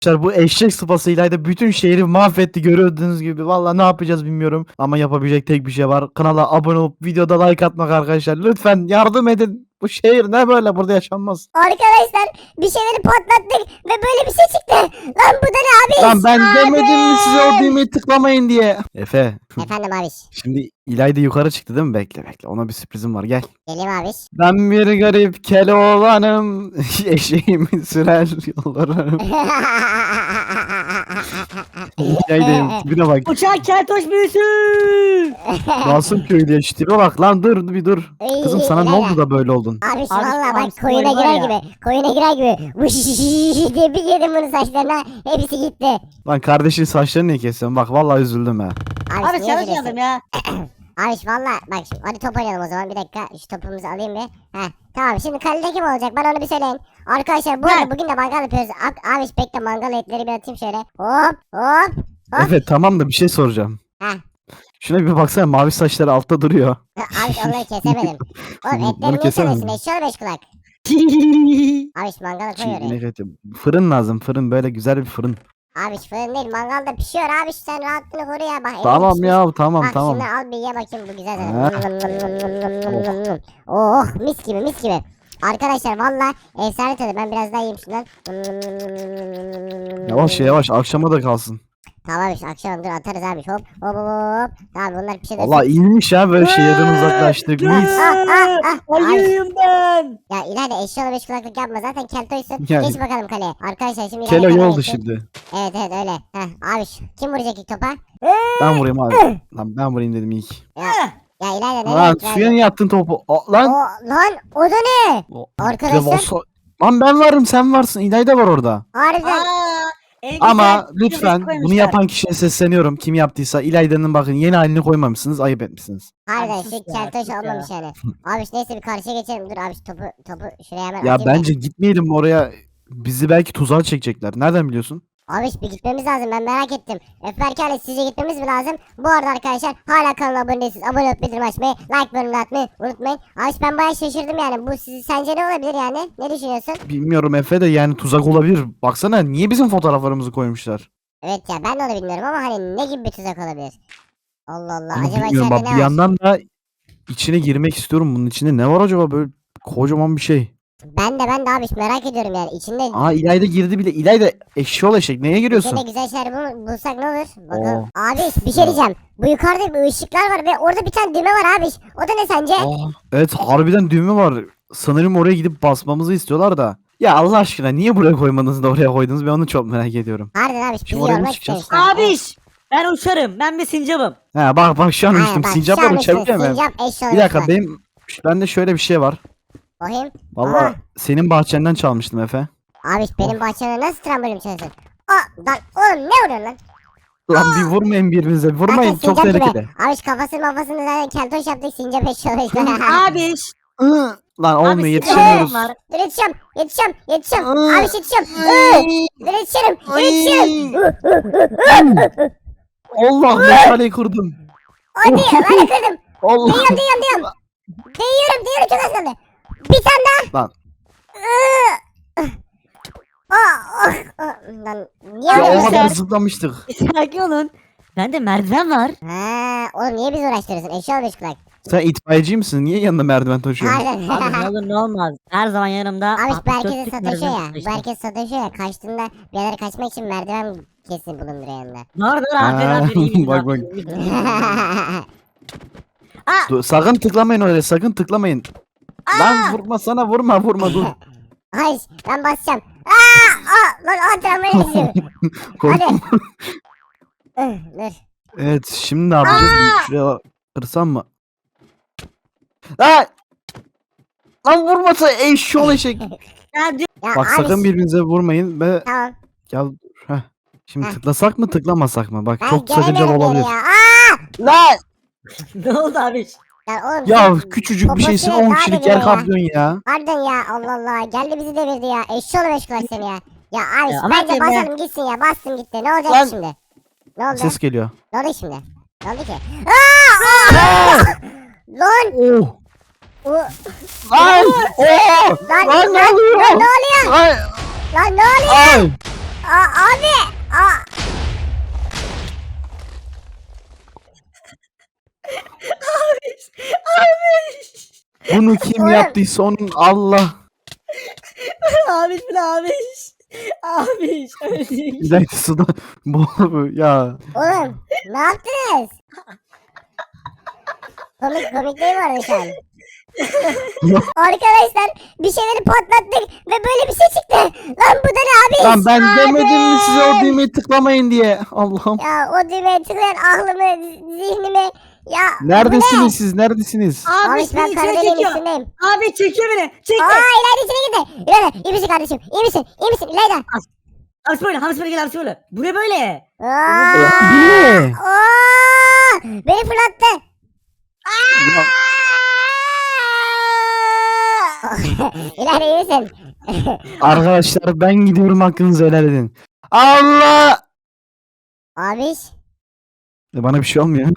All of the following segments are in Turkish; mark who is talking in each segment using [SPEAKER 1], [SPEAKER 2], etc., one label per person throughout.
[SPEAKER 1] Arkadaşlar bu eşek sıpasıyla da bütün şehri mahvetti gördüğünüz gibi. Vallahi ne yapacağız bilmiyorum. Ama yapabilecek tek bir şey var. Kanala abone olup videoda like atmak arkadaşlar. Lütfen yardım edin. Bu şehir ne böyle, burada yaşanmaz.
[SPEAKER 2] Arkadaşlar bir şeyleri patlattık ve böyle bir şey çıktı. Lan bu da ne abi?
[SPEAKER 1] Lan ben demedim mi size o düğmeyi tıklamayın diye. Efe.
[SPEAKER 2] Efendim abi.
[SPEAKER 1] Şimdi İlayda yukarı çıktı değil mi? Bekle. Ona bir sürprizim var, gel.
[SPEAKER 2] Geleyim abi.
[SPEAKER 1] Ben bir garip Keloğlan'ım. Eşeğimi sürer yollarım. İlayda'yım. Tipine bak.
[SPEAKER 3] Uçak keltoş büyüsü.
[SPEAKER 1] Nasıl köylü ya? Şu tipe bak lan, dur bir dur. Kızım sana ne oldu da böyle oldun?
[SPEAKER 2] Abi
[SPEAKER 3] Abi,
[SPEAKER 2] valla bak
[SPEAKER 3] abi,
[SPEAKER 2] koyuna
[SPEAKER 3] var
[SPEAKER 2] girer
[SPEAKER 3] ya.
[SPEAKER 2] gibi. Koyuna girer gibi. Vış diye bir yedim bunun saçlarına. Hepsi gitti.
[SPEAKER 1] Lan kardeşin saçlarını niye kesiyorsun? Bak vallahi üzüldüm ha.
[SPEAKER 3] Abi
[SPEAKER 2] niye
[SPEAKER 3] çalışmadım
[SPEAKER 2] üzülüyorsun?
[SPEAKER 3] ya.
[SPEAKER 2] Abi valla bak şimdi hadi top oynayalım o zaman. Bir dakika şu topumuzu alayım bir. Heh tamam, şimdi kalede kim olacak bana onu bir söyleyin. Arkadaşlar bu arada bugün de mangal yapıyoruz. Abi bekle, mangal etleri bir atayım şöyle. Hop hop. Hop.
[SPEAKER 1] Evet tamam da bir şey soracağım.
[SPEAKER 2] Heh.
[SPEAKER 1] Şuna bir baksana, mavi saçları altta duruyor.
[SPEAKER 2] Abi onları kesemedim. Oğlum
[SPEAKER 1] Bunu
[SPEAKER 2] etleri niye
[SPEAKER 1] kesemedin.
[SPEAKER 2] seviyorsun? Eşyalı beş kulak. Abi şu mangalı koy oraya.
[SPEAKER 1] Evet, fırın lazım, fırın, böyle güzel bir fırın.
[SPEAKER 2] Abi şu fırın değil, mangalda pişiyor abi, sen rahatlığını koru ya. Bak,
[SPEAKER 1] Tamam
[SPEAKER 2] pişmiş.
[SPEAKER 1] ya, tamam
[SPEAKER 2] Bak
[SPEAKER 1] tamam.
[SPEAKER 2] şunları al bir ye bakayım, bu güzel
[SPEAKER 1] Ha.
[SPEAKER 2] zaten. Oh mis gibi mis gibi. Arkadaşlar valla efsane tadı, ben biraz daha yiyeyim şundan.
[SPEAKER 1] Yavaş akşama da kalsın.
[SPEAKER 2] Tamam işte akşam dur atarız abi, hop hop hop. Tamam bunlar bir şey de.
[SPEAKER 1] Valla iyiymiş ya, böyle şehirden uzaklaştık. Mis.
[SPEAKER 3] Ayıyım ben.
[SPEAKER 2] Ya ileride eşyalı beş kulaklık yapma, zaten keltoysun.
[SPEAKER 1] Yani.
[SPEAKER 2] Geç bakalım kaleye. Arkadaşlar şimdi
[SPEAKER 1] Kelo
[SPEAKER 2] kaleye
[SPEAKER 1] yoldu
[SPEAKER 2] geçsin.
[SPEAKER 1] şimdi.
[SPEAKER 2] Evet öyle. Heh abi kim vuracak ilk topa?
[SPEAKER 1] Ben vurayım abi. Lan ben vurayım dedim ilk.
[SPEAKER 2] Ya ileride ne?
[SPEAKER 1] Lan suya niye attın topu? Lan.
[SPEAKER 2] Lan o da ne?
[SPEAKER 1] O-
[SPEAKER 2] Arkadaşlar.
[SPEAKER 1] Devasa- Lan ben varım, sen varsın. İlayda var orada.
[SPEAKER 2] Harbiden.
[SPEAKER 1] Ama lütfen bunu yapan kişiye sesleniyorum. Kim yaptıysa İlayda'nın bakın yeni halini koymamışsınız. Ayıp etmişsiniz.
[SPEAKER 2] Harbiden
[SPEAKER 3] Abi
[SPEAKER 2] şu
[SPEAKER 3] sus ya,
[SPEAKER 2] keltoş
[SPEAKER 3] sus ya.
[SPEAKER 2] olmamış yani. Abi neyse bir karşıya geçelim. Dur abi şu topu şuraya hemen
[SPEAKER 1] Ya
[SPEAKER 2] atayım da.
[SPEAKER 1] bence gitmeyelim oraya. Bizi belki tuzağa çekecekler. Nereden biliyorsun?
[SPEAKER 2] Abi bir gitmemiz lazım, ben merak ettim. Öfberkale sizce gitmemiz mi lazım? Bu arada arkadaşlar hala kanala abone değilsiniz. Abone olup bildirim açmayı, like bölümünü atmayı unutmayın. Abi ben bayağı şaşırdım yani. Bu sence ne olabilir yani? Ne düşünüyorsun?
[SPEAKER 1] Bilmiyorum Efe de, yani tuzak olabilir. Baksana niye bizim fotoğraflarımızı koymuşlar?
[SPEAKER 2] Evet ya, ben de onu bilmiyorum ama hani ne gibi bir tuzak olabilir? Allah Allah,
[SPEAKER 1] Ama
[SPEAKER 2] acaba
[SPEAKER 1] bilmiyorum
[SPEAKER 2] içeride
[SPEAKER 1] bak,
[SPEAKER 2] ne
[SPEAKER 1] bir
[SPEAKER 2] var?
[SPEAKER 1] yandan da içine girmek istiyorum. Bunun içinde ne var acaba, böyle kocaman bir şey.
[SPEAKER 2] Ben de abi merak ediyorum yani. İçinde
[SPEAKER 1] Aa İlayda girdi bile. İlayda eşşoğlu eşek, neye giriyorsun?
[SPEAKER 2] içinde güzel şeyler bulsak ne olur? Bakalım.
[SPEAKER 1] Oo.
[SPEAKER 2] Abi bir şey diyeceğim. Bu yukarıda bir ışıklar var ve orada bir tane düğme var abi. O da ne sence?
[SPEAKER 1] Aa, evet harbiden düğme var. Sanırım oraya gidip basmamızı istiyorlar da. Ya Allah aşkına niye buraya koymadınız da oraya koydunuz, ben onu çok merak ediyorum.
[SPEAKER 2] Harbiden abi bizi
[SPEAKER 1] Şimdi oraya mı
[SPEAKER 2] yormak
[SPEAKER 1] çıkacağız?
[SPEAKER 2] istemişler.
[SPEAKER 3] Abiş. Ben uçarım. Ben bir sincapım.
[SPEAKER 1] He bak şu an
[SPEAKER 2] Aynen,
[SPEAKER 1] uçtum.
[SPEAKER 2] bak,
[SPEAKER 1] Sincaplar
[SPEAKER 2] şu an işte
[SPEAKER 1] uçabiliyor mu?
[SPEAKER 2] Sincap eşyalı
[SPEAKER 1] Bir dakika,
[SPEAKER 2] uçlar.
[SPEAKER 1] bende şöyle bir şey var.
[SPEAKER 2] Bakayım.
[SPEAKER 1] Valla
[SPEAKER 2] Aha.
[SPEAKER 1] senin bahçenden çalmıştım Efe.
[SPEAKER 2] Abi benim bahçeme nasıl trambolin çalıyorsun? Lan oğlum ne vuruyorsun lan?
[SPEAKER 1] Lan bir vurmayın birbirinize. Vurmayın,
[SPEAKER 2] Zaten
[SPEAKER 1] çok
[SPEAKER 2] sincap gibi.
[SPEAKER 1] tehlikeli.
[SPEAKER 2] Abi kafasını zaten keltoş yaptık, sincap eşyalı uçlar.
[SPEAKER 3] Abiş.
[SPEAKER 1] Lan olmuyor,
[SPEAKER 3] Abi,
[SPEAKER 1] yetişemiyoruz.
[SPEAKER 3] sincap var.
[SPEAKER 2] Dur yetişeceğim.
[SPEAKER 1] Iı.
[SPEAKER 2] Abi yetişeceğim. Dur yetişirim.
[SPEAKER 1] Allah, meşaleyi kurdum.
[SPEAKER 2] Hadi ben de kırdım.
[SPEAKER 1] Allah.
[SPEAKER 2] Değiyorum. Değiyorum çok az kaldı. Bir tane daha.
[SPEAKER 1] Lan.
[SPEAKER 2] Lan niye
[SPEAKER 1] Ya
[SPEAKER 2] öyle
[SPEAKER 1] o
[SPEAKER 2] bir
[SPEAKER 1] kadar
[SPEAKER 2] şey?
[SPEAKER 1] zıplamıştık.
[SPEAKER 3] Sakin olun. Bende merdiven var.
[SPEAKER 2] Ha, oğlum niye bizi uğraştırıyorsun? Eşyalı beş kulak.
[SPEAKER 1] Sen itfaiyeci misin? Niye yanında merdiven taşıyorsun?
[SPEAKER 3] Abi ne
[SPEAKER 2] Harbiden.
[SPEAKER 3] olur ne olmaz. Her zaman yanımda.
[SPEAKER 2] Abi bu
[SPEAKER 3] 64
[SPEAKER 2] herkese
[SPEAKER 3] tip
[SPEAKER 2] sataşıyor
[SPEAKER 3] merdiven
[SPEAKER 2] ya. Bu
[SPEAKER 3] taşıyorum.
[SPEAKER 2] herkes sataşıyor ya. Kaçtığında bir yerlere kaçmak için merdiven kesin bulunduruyor yanında.
[SPEAKER 3] Doğru aferin
[SPEAKER 1] Ha,
[SPEAKER 3] aferin. iyi bildin,
[SPEAKER 1] bak, bak.
[SPEAKER 3] aferin, iyi bildin.
[SPEAKER 1] Sakın tıklamayın öyle, sakın tıklamayın. Lan vurma dur.
[SPEAKER 2] Ay ben basacağım. Lan tramvaya düşüyor.
[SPEAKER 1] Korktum.
[SPEAKER 2] Dur.
[SPEAKER 1] Evet, şimdi ne yapacağız? Bir şuraya kırsam mı? Lan vurmasa eşşoğlu eşek.
[SPEAKER 3] Ya diyor-
[SPEAKER 2] Ya
[SPEAKER 1] Bak
[SPEAKER 2] abi,
[SPEAKER 1] sakın birbirinize vurmayın ve
[SPEAKER 2] Tamam.
[SPEAKER 1] ya heh. Şimdi
[SPEAKER 2] Heh.
[SPEAKER 1] tıklasak mı tıklamasak mı? Bak
[SPEAKER 2] Ben
[SPEAKER 1] çok sakıncalı
[SPEAKER 2] gelemiyorum
[SPEAKER 1] olabilir.
[SPEAKER 2] geri ya.
[SPEAKER 1] Lan
[SPEAKER 3] ne oldu abiş?
[SPEAKER 2] Oğlum
[SPEAKER 1] ya
[SPEAKER 2] sen
[SPEAKER 1] küçücük bir şeysin,
[SPEAKER 2] poposunu
[SPEAKER 1] 10
[SPEAKER 2] daha
[SPEAKER 1] kişilik
[SPEAKER 2] deviriyor
[SPEAKER 1] yer
[SPEAKER 2] ya.
[SPEAKER 1] kaplıyorsun ya.
[SPEAKER 2] Harbiden ya, Allah Allah. Geldi bizi devirdi ya. Eşşoğlu beş kulak seni ya. Ya abi
[SPEAKER 3] Ya ama
[SPEAKER 2] bence
[SPEAKER 3] ben-
[SPEAKER 2] basalım gitsin ya. Bastım gitti. Ne olacak
[SPEAKER 1] Lan.
[SPEAKER 2] şimdi? Ne oldu?
[SPEAKER 1] Ses geliyor.
[SPEAKER 2] Ne oldu şimdi? Ne oldu ki? Lan!
[SPEAKER 1] Oh.
[SPEAKER 2] O-
[SPEAKER 1] Lan! Oh!
[SPEAKER 2] Lan,
[SPEAKER 1] Lan ne oluyor?
[SPEAKER 2] Lan ne oluyor?
[SPEAKER 1] Ay!
[SPEAKER 2] Lan ne oluyor?
[SPEAKER 1] Ay!
[SPEAKER 2] Abi.
[SPEAKER 1] Bunu kim
[SPEAKER 2] Oğlum.
[SPEAKER 1] yaptıysa onun Allah.
[SPEAKER 3] Abiş bu ne abiş? Abiş öldük.
[SPEAKER 1] İlayda suda boğuluyor ya.
[SPEAKER 2] Oğlum ne yaptınız? Komik değil mi orada şu an?
[SPEAKER 1] Yok.
[SPEAKER 2] Arkadaşlar bir şeyleri patlattık ve böyle bir şey çıktı. Lan bu da ne abi?
[SPEAKER 1] Lan ben demedim mi size o düğmeyi tıklamayın diye. Allah'ım.
[SPEAKER 2] Ya o düğmeye tıklayan aklımı, zihnimi. Ya
[SPEAKER 1] Neredesiniz siz? Neredesiniz?
[SPEAKER 2] Abi
[SPEAKER 3] Abiş
[SPEAKER 2] ben
[SPEAKER 3] beni içine
[SPEAKER 2] Karadeniz
[SPEAKER 3] çekiyor.
[SPEAKER 2] üstündeyim.
[SPEAKER 3] Abi çekiyor beni. Çekti.
[SPEAKER 2] İlayda içine girdi. İlayda iyi misin kardeşim? İyi misin? İyi misin İlayda?
[SPEAKER 3] Hamsi böyle. Hamsi böyle gel Hamsi böyle. Bu ne böyle?
[SPEAKER 2] Aa!
[SPEAKER 1] Bu ne?
[SPEAKER 2] Aa! Beni fırlattı.
[SPEAKER 1] Ya,
[SPEAKER 2] İlayda iyi misin?
[SPEAKER 1] arkadaşlar ben gidiyorum, hakkınızı helal edin. Allah!
[SPEAKER 2] Abiş.
[SPEAKER 1] Bana bir şey olmuyor.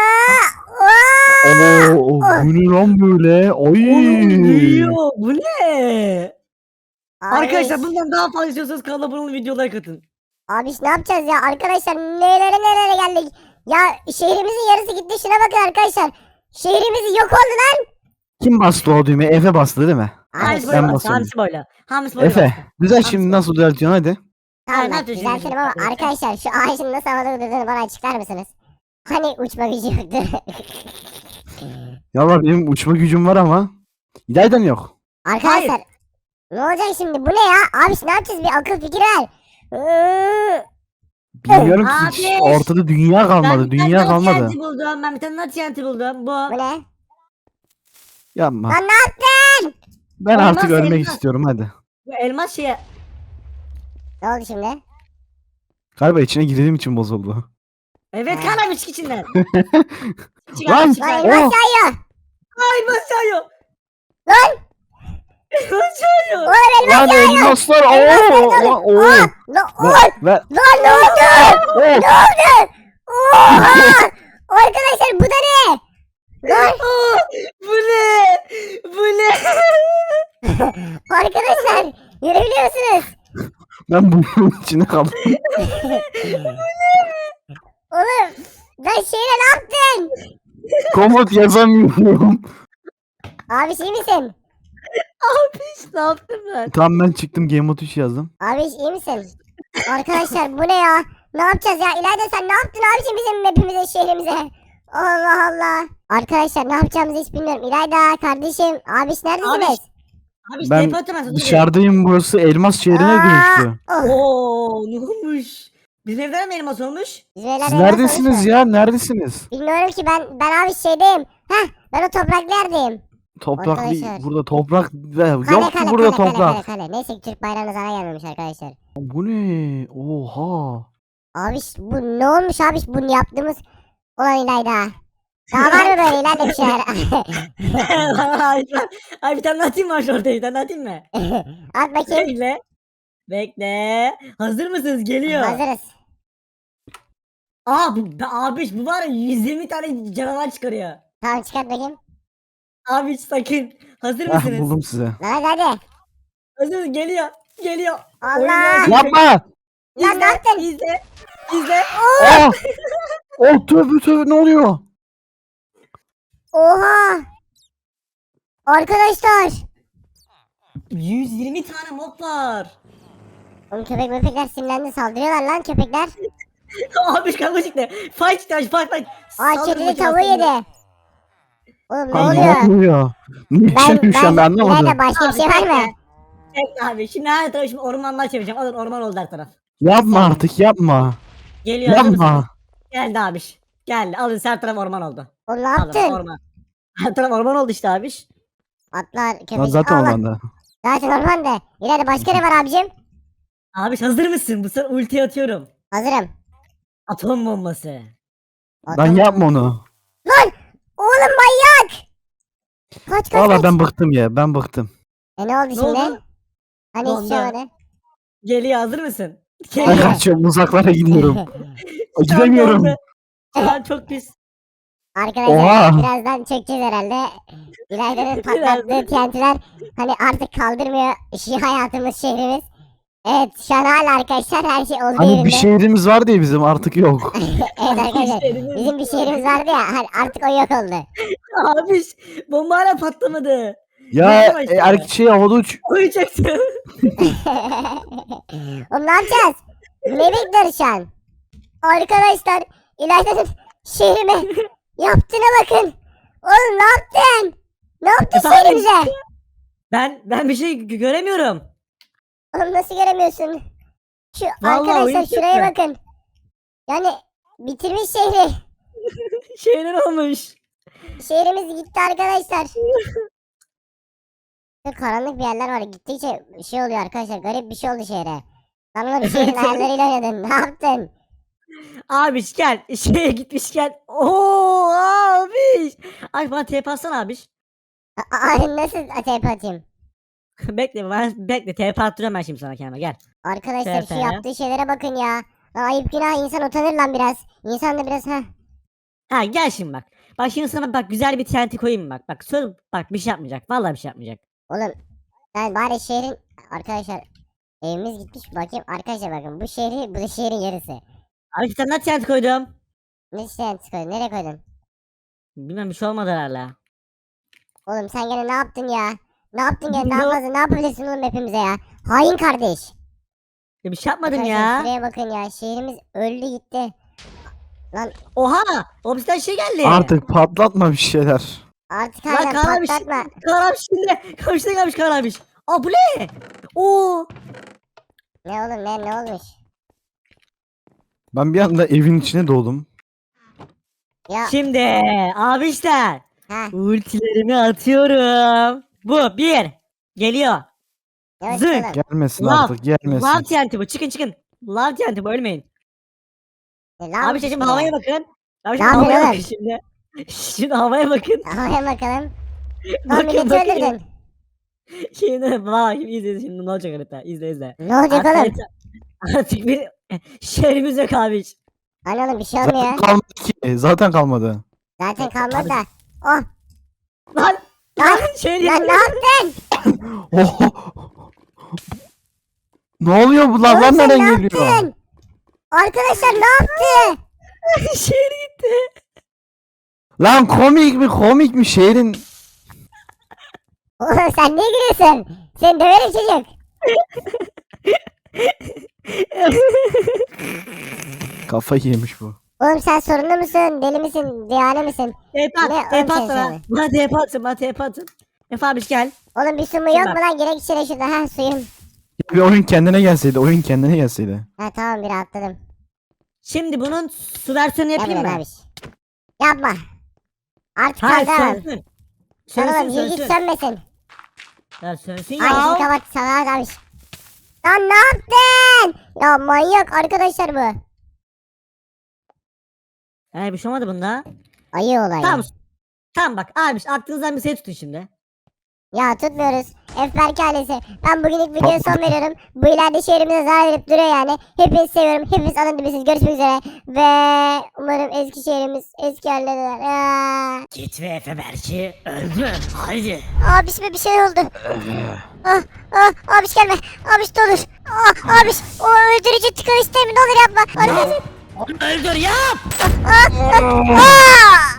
[SPEAKER 2] Aa!
[SPEAKER 1] Oo, bu ne lan böyle? Ay.
[SPEAKER 3] Oğlum büyüyor. Bu ne? Arkadaşlar
[SPEAKER 2] Abiş.
[SPEAKER 3] bundan daha fazla istiyorsanız kanala abone olun, videolara katın.
[SPEAKER 2] Abiş ne yapacağız ya? Arkadaşlar nerelere geldik? Ya şehrimizin yarısı gitti. Şuna bakın arkadaşlar. Şehrimiz yok oldu lan.
[SPEAKER 1] Kim bastı o düğmeye? Efe bastı değil mi?
[SPEAKER 3] Hamsi
[SPEAKER 1] ben
[SPEAKER 3] böyle bastı.
[SPEAKER 1] basıyorum.
[SPEAKER 3] Hamsi böyle. Hamsi böyle
[SPEAKER 1] Efe.
[SPEAKER 3] bastı.
[SPEAKER 1] Güzel, şimdi nasıl düzeltiyorsun hadi.
[SPEAKER 2] Tamam
[SPEAKER 3] ne
[SPEAKER 2] bak
[SPEAKER 3] yapıyorsun
[SPEAKER 2] düzeltelim
[SPEAKER 3] şimdi?
[SPEAKER 2] ama
[SPEAKER 3] Evet.
[SPEAKER 2] arkadaşlar şu ağacın nasıl havada durduğunu bana açıklar mısınız? Hani uçma gücü yoktu.
[SPEAKER 1] Ya Allah, benim uçma gücüm var ama. İlaydan yok.
[SPEAKER 2] Arkadaşlar ne olacak şimdi? Bu ne ya? Abi ne yapacağız? Bir akıl fikir ver.
[SPEAKER 1] Bilmiyorum ki,
[SPEAKER 3] Abi.
[SPEAKER 1] ortada dünya kalmadı.
[SPEAKER 3] bir tane
[SPEAKER 1] Dünya
[SPEAKER 3] daha
[SPEAKER 1] kalmadı.
[SPEAKER 3] TNT buldum. Ben bir tane daha TNT buldum. Bu.
[SPEAKER 2] Bu ne?
[SPEAKER 1] Yapma.
[SPEAKER 2] Lan ne yaptın?
[SPEAKER 1] Ben
[SPEAKER 3] Olmaz,
[SPEAKER 1] artık ölmek
[SPEAKER 3] elmas.
[SPEAKER 1] istiyorum hadi.
[SPEAKER 3] Bu elmas şeye.
[SPEAKER 2] Ne oldu şimdi?
[SPEAKER 1] Galiba içine girdiğim için bozuldu.
[SPEAKER 3] Evet
[SPEAKER 2] Ha.
[SPEAKER 3] kan abi çık içinden. Çık
[SPEAKER 1] Lan!
[SPEAKER 3] abi çık
[SPEAKER 2] Lan
[SPEAKER 3] abi.
[SPEAKER 2] elmas
[SPEAKER 1] Oh.
[SPEAKER 2] yağıyor.
[SPEAKER 3] Ay elmas yağıyor.
[SPEAKER 2] Lan!
[SPEAKER 3] Elmas yağıyor.
[SPEAKER 2] Oğlum elmas
[SPEAKER 1] Lan
[SPEAKER 2] yağıyor.
[SPEAKER 1] elmaslar!
[SPEAKER 2] Elmaslar
[SPEAKER 1] Oo!
[SPEAKER 2] dolu.
[SPEAKER 1] Oo!
[SPEAKER 2] Aa! Lan
[SPEAKER 1] Ve
[SPEAKER 2] lan ne oldu?
[SPEAKER 1] Oo!
[SPEAKER 2] Ne oldu? Oha! Arkadaşlar bu da ne? Lan
[SPEAKER 3] Aa, bu ne? Bu ne?
[SPEAKER 2] arkadaşlar görebiliyor musunuz?
[SPEAKER 1] Ben bunun içine kaldım.
[SPEAKER 2] Oğlum lan şeyle ne yaptın?
[SPEAKER 1] Komut yazamıyorum.
[SPEAKER 2] Abi iyi misin?
[SPEAKER 3] Abi ne yaptım ben?
[SPEAKER 1] Tam ben çıktım, Game Mode 3 yazdım.
[SPEAKER 2] Abi iyi misin? Arkadaşlar bu ne ya? Ne yapacağız ya? İlayda sen ne yaptın abiciğim bizim mapimize şehrimize? Allah Allah. Arkadaşlar ne yapacağımızı hiç bilmiyorum. İlayda kardeşim abiş neredesiniz?
[SPEAKER 3] Abi
[SPEAKER 1] Ben
[SPEAKER 3] TP atamazsın.
[SPEAKER 1] dışarıdayım, burası elmas şehrine
[SPEAKER 2] Aa!
[SPEAKER 1] dönüştü.
[SPEAKER 2] Oh.
[SPEAKER 3] Oo ne olmuş? Bizim evden mi elmas olmuş?
[SPEAKER 2] Bizim evler
[SPEAKER 1] Siz
[SPEAKER 2] elmas
[SPEAKER 1] neredesiniz
[SPEAKER 2] olmuş mu?
[SPEAKER 1] ya? Neredesiniz?
[SPEAKER 2] Bilmiyorum ki ben abi şeydeyim. Heh ben o topraklı yerdeyim.
[SPEAKER 1] Toprak değil.
[SPEAKER 2] Arkadaşlar.
[SPEAKER 1] Burada toprak yok
[SPEAKER 2] Kale
[SPEAKER 1] ki
[SPEAKER 2] kale
[SPEAKER 1] burada
[SPEAKER 2] kale,
[SPEAKER 1] toprak.
[SPEAKER 2] kale kale. Neyse ki Türk bayrağına zarar gelmemiş arkadaşlar.
[SPEAKER 1] Bu ne? Oha.
[SPEAKER 2] Abiş bu ne olmuş abiş bunu yaptığımız olan İlayda. Daha var mı böyle ileride bir şeyler?
[SPEAKER 3] Ay bir tane daha atayım mı aşağı ortaya? Bir tane daha atayım mı?
[SPEAKER 2] At bakayım.
[SPEAKER 3] Bekle. Bekle. Hazır mısınız? Geliyor.
[SPEAKER 2] Hazırız.
[SPEAKER 3] Aa abi bu var ya 120 tane canavar çıkarıyor.
[SPEAKER 2] Tamam çıkart bakayım.
[SPEAKER 3] Abi sakın. Hazır
[SPEAKER 1] Heh,
[SPEAKER 3] mısınız?
[SPEAKER 1] buldum size.
[SPEAKER 2] Lan hadi.
[SPEAKER 3] Hazır mısınız? Geliyor. Geliyor.
[SPEAKER 2] Allah!
[SPEAKER 3] Oynuyor.
[SPEAKER 1] Yapma!
[SPEAKER 2] Lan ne yaptın?
[SPEAKER 3] İzle. İzle.
[SPEAKER 1] Oh! Oh, tövbe tövbe, ne oluyor?
[SPEAKER 2] Oha. Arkadaşlar.
[SPEAKER 3] 120 tane mob var.
[SPEAKER 2] Oğlum köpekler sinirlendi saldırıyorlar lan köpekler.
[SPEAKER 3] Abi kavga çıktı. Fight çıktı. Fight.
[SPEAKER 2] Aa
[SPEAKER 3] Saldırın
[SPEAKER 2] kedili
[SPEAKER 3] bakayım
[SPEAKER 2] tavuğu
[SPEAKER 3] aslında.
[SPEAKER 2] yedi. Oğlum ne
[SPEAKER 1] Lan ne
[SPEAKER 2] oluyor?
[SPEAKER 1] oluyor? Ne
[SPEAKER 2] Ben
[SPEAKER 1] yaşanıyor şu an, ben anlamadım.
[SPEAKER 2] İlayda başka bir şey var mı?
[SPEAKER 3] Bekle abi. Şimdi her tarafı şimdi ormanlar çevireceğim. Alın orman oldu her taraf.
[SPEAKER 1] Yapma artık, yapma.
[SPEAKER 3] Geliyor. hazır mısınız?
[SPEAKER 1] Yapma.
[SPEAKER 3] Geldi abiş. Geldi. Alın her taraf orman oldu.
[SPEAKER 2] Oğlum ne
[SPEAKER 3] Alın
[SPEAKER 2] yaptın?
[SPEAKER 3] orman. Her taraf orman oldu işte abiş.
[SPEAKER 2] Atlar
[SPEAKER 1] Lan
[SPEAKER 2] köpek.
[SPEAKER 1] zaten
[SPEAKER 2] Allah.
[SPEAKER 1] olmadı.
[SPEAKER 2] Zaten ormanda. İlayda başka ne var abicim?
[SPEAKER 3] Abiş hazır mısın? Bu sefer ulti atıyorum.
[SPEAKER 2] Hazırım.
[SPEAKER 3] Atom bombası.
[SPEAKER 1] Lan
[SPEAKER 2] Atalım.
[SPEAKER 1] yapma onu.
[SPEAKER 2] Lan! Oğlum manyak! Kaç
[SPEAKER 1] Valla
[SPEAKER 2] kaç.
[SPEAKER 1] ben bıktım ya, ben bıktım.
[SPEAKER 2] E ne oldu
[SPEAKER 3] Ne
[SPEAKER 2] şimdi?
[SPEAKER 3] oldu?
[SPEAKER 2] Hani
[SPEAKER 3] Ne
[SPEAKER 2] hiç şey
[SPEAKER 3] oldu?
[SPEAKER 2] olmadı.
[SPEAKER 3] Geliyor hazır mısın?
[SPEAKER 1] Ben
[SPEAKER 3] Geliyor.
[SPEAKER 1] kaçıyorum, uzaklara gidiyorum.
[SPEAKER 3] Şu an
[SPEAKER 1] Gidemiyorum.
[SPEAKER 3] oldu. Şu an çok pis.
[SPEAKER 2] Arkadaşlar
[SPEAKER 1] Oha.
[SPEAKER 2] birazdan çekeceğiz herhalde. İlayda'nın patlattığı TNT'ler hani artık kaldırmıyor hayatımız şehrimiz. Evet şu an hala arkadaşlar her şey olduğu
[SPEAKER 1] Hani
[SPEAKER 2] yerinde.
[SPEAKER 1] bir şehrimiz var diye bizim artık yok.
[SPEAKER 2] Evet arkadaşlar
[SPEAKER 3] şehrimiz-
[SPEAKER 2] bizim bir şehrimiz vardı ya artık o yok oldu.
[SPEAKER 3] Abi bomba hala patlamadı.
[SPEAKER 1] Ya
[SPEAKER 3] Bekle başla.
[SPEAKER 1] erkek şey havada uç.
[SPEAKER 3] Uyuyacaksın.
[SPEAKER 2] Oğlum ne yapacağız? Ne bekliyoruz şu an? Arkadaşlar İlayda'nın şehrime yaptığına bakın. Oğlum ne yaptın? Ne yaptın
[SPEAKER 3] Efendim?
[SPEAKER 2] şehrimize?
[SPEAKER 3] Ben bir şey göremiyorum.
[SPEAKER 2] Oğlum nasıl göremiyorsun? Şu
[SPEAKER 3] Vallahi
[SPEAKER 2] arkadaşlar
[SPEAKER 3] oyun
[SPEAKER 2] şuraya
[SPEAKER 3] çıktı.
[SPEAKER 2] bakın. Yani bitirmiş şehri.
[SPEAKER 3] Şeyler olmuş.
[SPEAKER 2] Şehrimiz gitti arkadaşlar. Çok karanlık bir yerler var. Gittikçe şey oluyor arkadaşlar. Garip bir şey oldu şehre. Sen oğlum şehrin ayarlarıyla oynadın. Ne yaptın?
[SPEAKER 3] Abiş gel. Şeye gitmiş gel. Oo abiş. Ay bana TP atsana abiş.
[SPEAKER 2] Nasıl atayıp atayım?
[SPEAKER 3] bekle TP attırıyorum ben şimdi sana kendime gel.
[SPEAKER 2] Arkadaşlar şu
[SPEAKER 3] TP.
[SPEAKER 2] yaptığı şeylere bakın ya. Lan ayıp günah insan utanır lan biraz. İnsan da biraz ha.
[SPEAKER 3] Ha gel şimdi bak. Bak şimdi sana bak güzel bir TNT koyayım mı bak. Bak söz bak bir şey yapmayacak. Vallahi bir şey yapmayacak.
[SPEAKER 2] Oğlum ben bari şehrin arkadaşlar evimiz gitmiş bakayım arkadaşlar bakın bu şehri bu da şehrin yarısı.
[SPEAKER 3] Abi bir tane daha TNT koydum.
[SPEAKER 2] Ne şey koydun nereye koydun?
[SPEAKER 3] Bilmem bir şey olmadı herhalde.
[SPEAKER 2] Oğlum sen gene ne yaptın ya? Ne yaptın gene
[SPEAKER 3] Ne
[SPEAKER 2] daha
[SPEAKER 3] o-
[SPEAKER 2] fazla ne yapabilirsin oğlum hepimize ya? Hain kardeş.
[SPEAKER 3] Ya bir şey yapmadım
[SPEAKER 2] Arkadaşlar
[SPEAKER 3] ya.
[SPEAKER 2] şuraya bakın ya şehrimiz öldü gitti.
[SPEAKER 3] Oha! O bizden şey geldi.
[SPEAKER 1] Artık patlatma bir şeyler.
[SPEAKER 2] Artık
[SPEAKER 3] Lan
[SPEAKER 2] hala
[SPEAKER 3] Kaan abi
[SPEAKER 2] patlatma.
[SPEAKER 3] Kaan abi şimdi. Karşıda gelmiş Kaan abi. Aa bu ne? Oo.
[SPEAKER 2] Ne oğlum ne olmuş?
[SPEAKER 1] Ben bir anda evin içine doğdum.
[SPEAKER 2] Ya
[SPEAKER 3] Şimdi abişler.
[SPEAKER 2] ha
[SPEAKER 3] Ultilerimi atıyorum. Bu bir. Geliyor.
[SPEAKER 2] yavaş
[SPEAKER 3] Zık.
[SPEAKER 2] oğlum.
[SPEAKER 1] Gelmesin
[SPEAKER 3] Love.
[SPEAKER 1] artık gelmesin.
[SPEAKER 3] Love TNT bu. Çıkın. Love TNT bu ölmeyin.
[SPEAKER 2] Lan
[SPEAKER 3] Abi şimdi havaya bakın. Abi
[SPEAKER 2] Ne
[SPEAKER 3] şimdi havaya
[SPEAKER 2] yapıyorsun
[SPEAKER 3] bakın şimdi. Şimdi havaya bakın.
[SPEAKER 2] Havaya bakalım. Lan
[SPEAKER 3] Bakın
[SPEAKER 2] milleti
[SPEAKER 3] bakın.
[SPEAKER 2] öldürdün.
[SPEAKER 3] Şimdi bak şimdi izle şimdi ne olacak harita. İzle izle.
[SPEAKER 2] Ne olacak
[SPEAKER 3] Artık,
[SPEAKER 2] oğlum?
[SPEAKER 3] artık bir şehrimiz yok abi.
[SPEAKER 2] Hani oğlum bir şey
[SPEAKER 1] Zaten
[SPEAKER 2] olmuyor.
[SPEAKER 1] kalmadı ki. Zaten kalmadı.
[SPEAKER 2] Zaten kalmadı
[SPEAKER 3] Abi-
[SPEAKER 2] da. Oh
[SPEAKER 3] Lan.
[SPEAKER 2] Lan,
[SPEAKER 3] Şehir
[SPEAKER 2] lan ne yaptın?
[SPEAKER 1] Oh. Ne oluyor bu
[SPEAKER 2] Oğlum
[SPEAKER 1] lavlar
[SPEAKER 2] sen
[SPEAKER 1] nereden
[SPEAKER 2] ne
[SPEAKER 1] geliyor?
[SPEAKER 2] yaptın? Arkadaşlar ne yaptı?
[SPEAKER 3] şehir gitti.
[SPEAKER 1] Lan komik mi şehrin?
[SPEAKER 2] Oğlum sen niye gülüyorsun? Seni döverim çocuk.
[SPEAKER 1] Kafayı yemiş bu.
[SPEAKER 2] Oğlum sen sorunlu musun? Deli misin? Diyane misin?
[SPEAKER 3] TP
[SPEAKER 2] Ne
[SPEAKER 3] at.
[SPEAKER 2] oğlum
[SPEAKER 3] TP at
[SPEAKER 2] sen
[SPEAKER 3] sana.
[SPEAKER 2] söyle.
[SPEAKER 3] Bana TP atsın. Bana TP atsın. Efe abi gel.
[SPEAKER 2] Oğlum bir su mu yok mu lan? Gerek içine şurada. Ha suyum.
[SPEAKER 1] Bir oyun kendine gelseydi. Oyun kendine gelseydi.
[SPEAKER 2] Ha tamam bir atladım.
[SPEAKER 3] Şimdi bunun su versiyonu yapayım
[SPEAKER 2] Yapma
[SPEAKER 3] mı?
[SPEAKER 2] abi. Yapma. Artık
[SPEAKER 3] Hayır
[SPEAKER 2] kaldıramam.
[SPEAKER 3] sönsün.
[SPEAKER 2] Lan
[SPEAKER 3] Sönsün
[SPEAKER 2] oğlum yürü git
[SPEAKER 3] sönsün.
[SPEAKER 2] sönmesin.
[SPEAKER 3] Ya sönsün
[SPEAKER 2] Ay şimdi
[SPEAKER 3] ya.
[SPEAKER 2] kapat sana abi. Lan ne yaptın? Ya manyak arkadaşlar bu.
[SPEAKER 3] Bir şey olmadı bunda.
[SPEAKER 2] Ayı olay.
[SPEAKER 3] Tamam. Tamam bak abi aklınızdan bir şey tutun şimdi.
[SPEAKER 2] Ya tutmuyoruz. Efberk ailesi. Ben bugünlük videoya son veriyorum. Bu ileride şehrimize zarar verip duruyor yani. Hepinizi seviyorum. Hepiniz alın dibisiniz. Görüşmek üzere. Ve umarım eski şehrimiz eski haline döner.
[SPEAKER 3] Git ve Efe Berk'i öldür. Haydi.
[SPEAKER 2] Abis bir şey oldu. Abiş gelme. Abiş ne olur. Abiş o öldürücü tıkan istemi ne olur yapma. Arkadaşlar.
[SPEAKER 3] Öldür yap.
[SPEAKER 2] Aa!